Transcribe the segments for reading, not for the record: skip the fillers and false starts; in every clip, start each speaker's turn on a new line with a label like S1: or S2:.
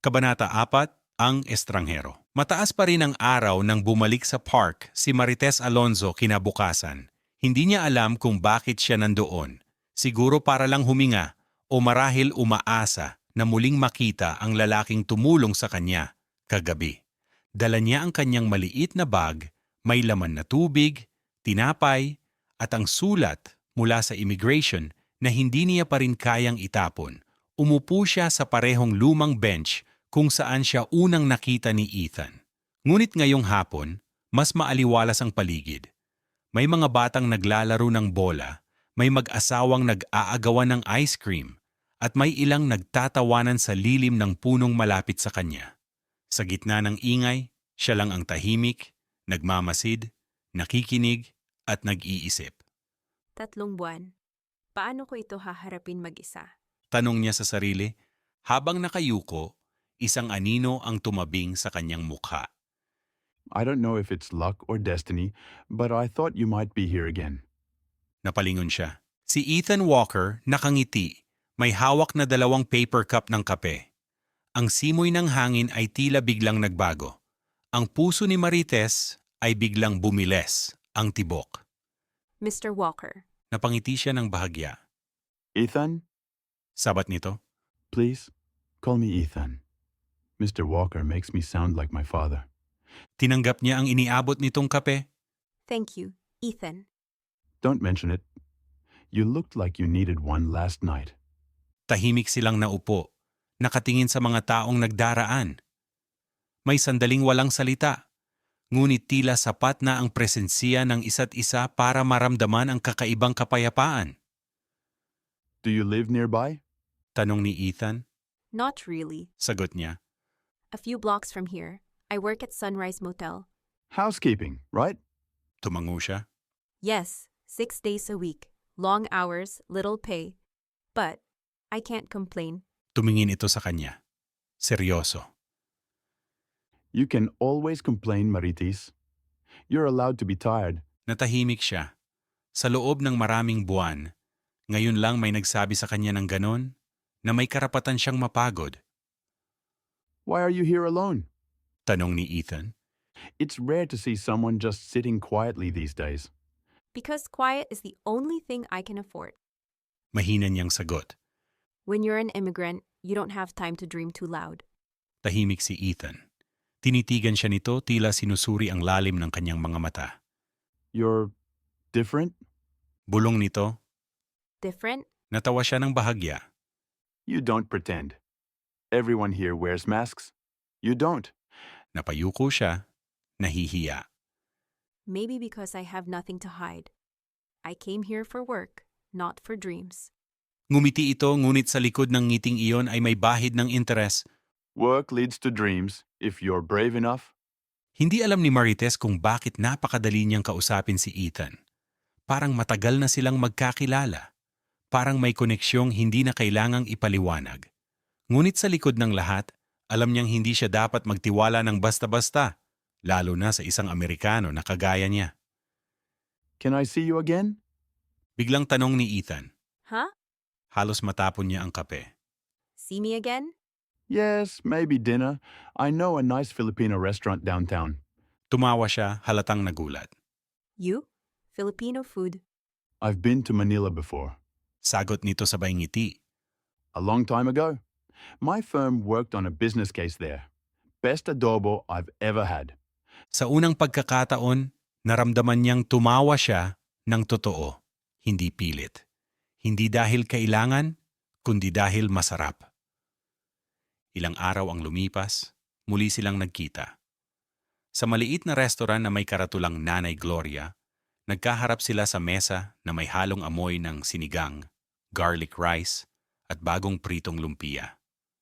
S1: Kabanata 4, Ang Estranghero. Mataas pa rin ang araw nang bumalik sa park si Marites Alonzo kinabukasan. Hindi niya alam kung bakit siya nandoon. Siguro para lang huminga o marahil umaasa na muling makita ang lalaking tumulong sa kanya kagabi. Dala niya ang kanyang maliit na bag, may laman na tubig, tinapay, at ang sulat mula sa immigration na hindi niya pa rin kayang itapon. Umupo siya sa parehong lumang bench kung saan siya unang nakita ni Ethan. Ngunit ngayong hapon, mas maaliwalas ang paligid. May mga batang naglalaro ng bola, may mag-asawang nag-aagawan ng ice cream, at may ilang nagtatawanan sa lilim ng punong malapit sa kanya. Sa gitna ng ingay, siya lang ang tahimik, nagmamasid, nakikinig, at nag-iisip.
S2: 3 buwan. Paano ko ito haharapin mag-isa?
S1: Tanong niya sa sarili, habang nakayuko, isang anino ang tumabing sa kanyang mukha.
S3: I don't know if it's luck or destiny, but I thought you might be here again.
S1: Napalingon siya. Si Ethan Walker nakangiti, may hawak na 2 paper cup ng kape. Ang simoy ng hangin ay tila biglang nagbago. Ang puso ni Marites ay biglang bumiles, ang tibok.
S2: Mr. Walker.
S1: Napangiti siya ng bahagya.
S3: Ethan?
S1: Sabat nito,
S3: Please, call me Ethan. Mr. Walker makes me sound like my father.
S1: tinanggap niya ang iniabot nitong kape.
S2: Thank you, Ethan.
S3: Don't mention it. You looked like you needed one last night.
S1: Tahimik silang naupo, nakatingin sa mga taong nagdaraan. May sandaling walang salita, ngunit tila sapat na ang presensiya ng isa't isa para maramdaman ang kakaibang kapayapaan.
S3: Do you live nearby?
S1: Tanong ni Ethan,
S2: Not really.
S1: sagot niya.
S2: A few blocks from here. I work at Sunrise Motel.
S3: Housekeeping, right?
S1: Tumango siya.
S2: Yes, 6 days a week. Long hours, little pay. But I can't complain.
S1: Tumingin ito sa kanya. Seryoso.
S3: You can always complain, Maritis. You're allowed to be tired.
S1: Natahimik siya. Sa loob ng maraming buwan, ngayon lang may nagsabi sa kanya ng ganon na may karapatan siyang mapagod.
S3: Why are you here alone?
S1: Tanong ni Ethan.
S3: It's rare to see someone just sitting quietly these days.
S2: Because quiet is the only thing I can afford.
S1: Mahina niyang sagot.
S2: When you're an immigrant, you don't have time to dream too loud.
S1: Tahimik si Ethan. Tinitigan siya nito tila sinusuri ang lalim ng kanyang mga mata.
S3: You're different?
S1: Bulong nito,
S2: Different?
S1: natawa siya ng bahagya.
S3: You don't pretend. Everyone here wears masks. You don't.
S1: Napayuko siya, nahihiya.
S2: Maybe because I have nothing to hide. I came here for work, not for dreams.
S1: Ngumiti ito ngunit sa likod ng ngiting iyon ay may bahid ng interes.
S3: Work leads to dreams if you're brave enough.
S1: Hindi alam ni Marites kung bakit napakadali niyang kausapin si Ethan. Parang matagal na silang magkakilala. Parang may koneksyong hindi na kailangang ipaliwanag. Ngunit sa likod ng lahat, alam niyang hindi siya dapat magtiwala ng basta-basta, lalo na sa isang Amerikano na kagaya niya.
S3: Can I see you again?
S1: Biglang tanong ni Ethan.
S2: Huh?
S1: Halos matapon niya ang kape.
S2: See me again?
S3: Yes, maybe dinner. I know a nice Filipino restaurant downtown.
S1: Tumawa siya, halatang nagulat.
S2: You? Filipino food.
S3: I've been to Manila before.
S1: Sagot nito sabay ngiti.
S3: A long time ago. My firm worked on a business case there. Best adobo I've ever had.
S1: Sa unang pagkakataon, naramdaman niyang tumawa siya ng totoo, hindi pilit. Hindi dahil kailangan, kundi dahil masarap. Ilang araw ang lumipas, muli silang nagkita. Sa maliit na restaurant na may karatulang Nanay Gloria, nagkaharap sila sa mesa na may halong amoy ng sinigang, garlic rice, at bagong pritong lumpia.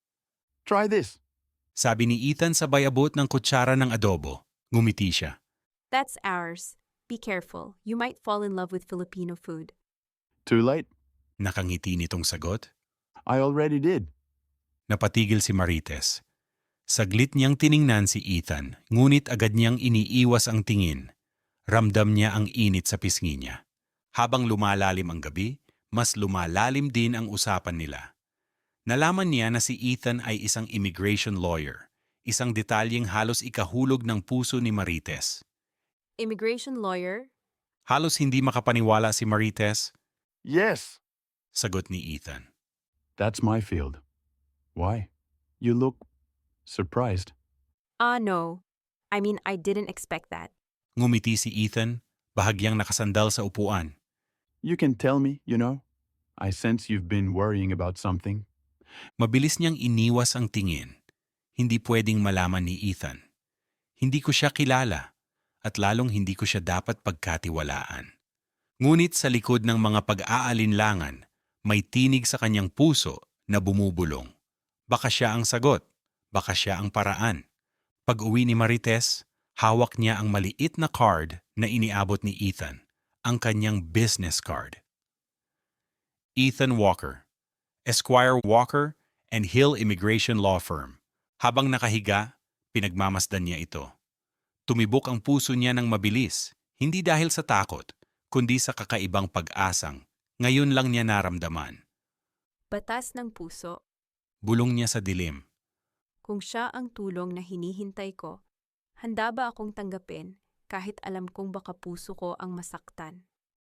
S3: Try this.
S1: Sabi ni Ethan sabay abot ng kutsara ng adobo. Ngumiti siya.
S2: That's ours. Be careful. You might fall in love with Filipino food.
S3: Too late?
S1: Nakangiti nitong sagot.
S3: I already did.
S1: Napatigil si Marites. Saglit niyang tiningnan si Ethan, ngunit agad niyang iniiwas ang tingin. Ramdam niya ang init sa pisngi niya. Habang lumalalim ang gabi, mas lumalalim din ang usapan nila. Nalaman niya na si Ethan ay isang immigration lawyer, isang detalyeng halos ikahulog ng puso ni Marites.
S2: Immigration lawyer?
S1: Halos hindi makapaniwala si Marites,
S3: Yes,
S1: sagot ni Ethan.
S3: that's my field. Why? You look surprised.
S2: No. I mean, I didn't expect that.
S1: Ngumiti si Ethan, bahagyang nakasandal sa upuan.
S3: You can tell me, you know. I sense you've been worrying about something.
S1: Mabilis niyang iniwas ang tingin. Hindi pwedeng malaman ni Ethan. Hindi ko siya kilala at lalong hindi ko siya dapat pagkatiwalaan. Ngunit sa likod ng mga pag-aalinlangan, may tinig sa kanyang puso na bumubulong. Baka siya ang sagot, baka siya ang paraan. Pag-uwi ni Marites, hawak niya ang maliit na card na iniabot ni Ethan, ang kanyang business card. Ethan Walker, Esquire Walker and Hill Immigration Law Firm. Habang nakahiga, pinagmamasdan niya ito. Tumibok ang puso niya ng mabilis, hindi dahil sa takot, kundi sa kakaibang pag-asang ngayon lang niya naramdaman.
S2: Batas ng puso.
S1: Bulong niya sa dilim.
S2: Kung siya ang tulong na hinihintay ko, handa ba akong tanggapin kahit alam kong baka puso ko ang masaktan?